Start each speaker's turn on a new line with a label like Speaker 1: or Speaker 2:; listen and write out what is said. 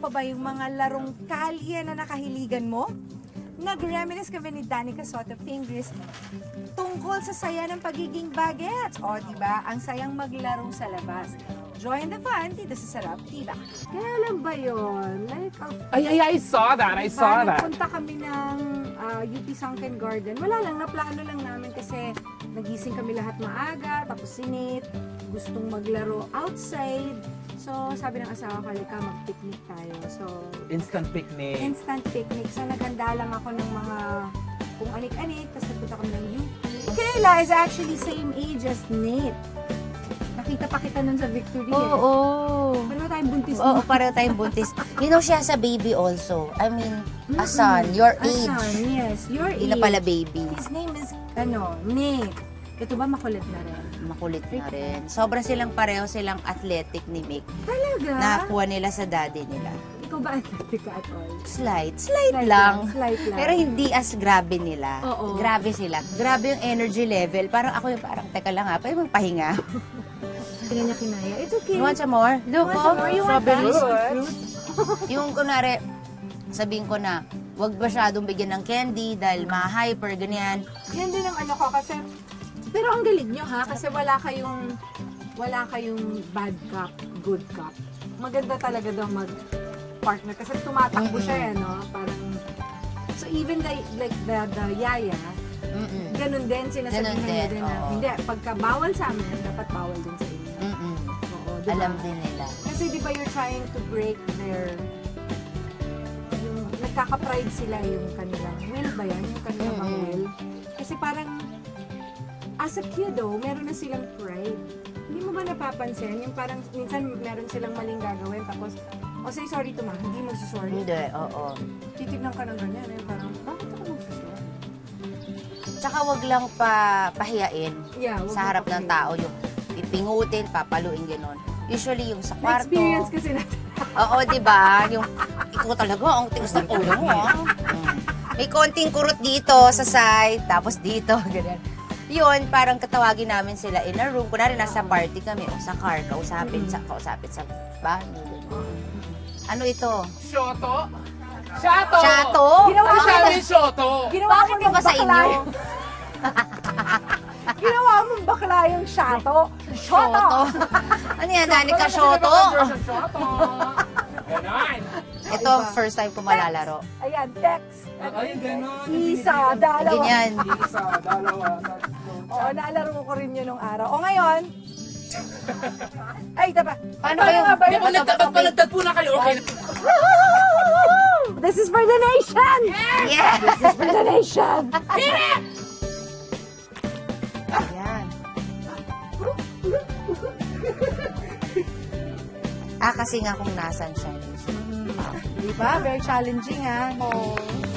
Speaker 1: pa ba yung mga larong kalye na nakahiligan mo? Nag-reminisce kami ni Danica Soto Fingers tungkol sa saya ng pagiging bagets. O, diba? Ang sayang maglaro sa labas. Join the fun dito sa Sarap Diba.
Speaker 2: Kailan ba yun? Like,
Speaker 3: I saw that. I saw that.
Speaker 2: Punta kami ng UP Sunken Garden. Wala lang, naplano lang namin kasi nagising kami lahat maaga, tapos sinit, gustong maglaro outside. So, sabi ng asawa ko, halika, mag-picnic tayo. So,
Speaker 3: Instant picnic.
Speaker 2: instant picnic. So, naghanda lang ako ng mga kung anik-anik, tapos nagpunta kami ng UP. Kayla is actually same age as Nate. Nakita pa kita nun sa Victory.
Speaker 4: Oo.
Speaker 2: Pareho tayong buntis
Speaker 4: Oo,
Speaker 2: mo.
Speaker 4: pareho tayong buntis. You know, siya sa baby also. I mean, a son, your age.
Speaker 2: Asan, yes, your
Speaker 4: Hindi
Speaker 2: age.
Speaker 4: na pala baby.
Speaker 2: His name is, Nate. Ito ba makulit na rin?
Speaker 4: Makulit na rin. Sobra silang pareho silang athletic ni Mick.
Speaker 2: Talaga?
Speaker 4: Nakuha nila sa daddy nila.
Speaker 2: Ikaw ba athletic ka at all?
Speaker 4: Slight
Speaker 2: Slight
Speaker 4: lang.
Speaker 2: Slight lang.
Speaker 4: Pero hindi as grabe nila.
Speaker 2: Oo.
Speaker 4: Grabe sila. Grabe yung energy level. Parang ako yung parang, teka lang ha, pwede magpahinga.
Speaker 2: Hindi niya kinaya. It's okay.
Speaker 4: You want some more? Look, oh,
Speaker 2: You want
Speaker 4: strawberries.
Speaker 2: fruit?
Speaker 4: Yung kunwari, sabihin ko na, wag masyadong bigyan ng candy dahil ma-hyper, ganyan.
Speaker 2: Yan din ang ano ko kasi, pero ang galing nyo ha, kasi wala kayong bad cop, good cop. Maganda talaga daw mag-partner kasi tumatakbo siya no? Parang, so even the yaya, ganun din, sinasabihan
Speaker 4: Ganun
Speaker 2: niya
Speaker 4: din,
Speaker 2: din na,
Speaker 4: oo.
Speaker 2: hindi, pagka bawal sa amin, dapat bawal din sa inyo. Oo, diba?
Speaker 4: Alam din nila.
Speaker 2: Kasi di ba you're trying to break their, yung nagkaka-pride sila yung kanilang will ba yan? Yung kanilang mga will? Kasi parang, as a kiddo, meron na silang pride. Hindi mo ba napapansin? Yung parang, minsan meron silang maling gagawin, tapos, say sorry to ma, hindi magsusorry.
Speaker 4: Hindi, oo.
Speaker 2: Titignan ka ng ganyan, eh, parang, bakit ako magsusorry?
Speaker 4: Tsaka wag lang pahiyain
Speaker 2: Yeah, wag
Speaker 4: sa
Speaker 2: mo
Speaker 4: harap ng
Speaker 2: papahiya.
Speaker 4: tao. Yung pipingutin, papaluin, gano'n. Usually yung sa kwarto.
Speaker 2: Na-experience kasi natin.
Speaker 4: Oo, di ba? Yung, ikaw talaga, ang tigas ng ulo mo, ah. May konting kurot dito sa side, tapos dito, ganyan. Yun, parang katawagin namin sila in a room. Kunwari, nasa party kami, o sa car, kausapin sa banyo, ganyan. Ano ito?
Speaker 3: Shoto? Shato!
Speaker 4: Shato?
Speaker 2: Ginawa
Speaker 3: Ano
Speaker 2: ko
Speaker 3: sabi Shoto?
Speaker 4: Bakit iba sa inyo?
Speaker 2: Ginawa mong bakla yung shato.
Speaker 4: Shoto? Ano yan, Danica Shoto?
Speaker 3: Shoto! Ganon!
Speaker 4: Ito, first time ko malalaro.
Speaker 2: Ayan, text.
Speaker 3: Ay, ganon.
Speaker 2: Isa, dalawa.
Speaker 4: Ganyan.
Speaker 3: Isa, dalawa,
Speaker 2: Oo, naalaro ko rin yun nung araw. O ngayon, ay, taba.
Speaker 4: Paano kayo?
Speaker 3: Pagpalagtag po na kayo, okay?
Speaker 2: This is for the nation!
Speaker 4: Yeah!
Speaker 2: This is for the nation!
Speaker 4: Ayan. Kasi nga kung nasan siya.
Speaker 2: Diba? Very challenging, ha?
Speaker 4: Oh.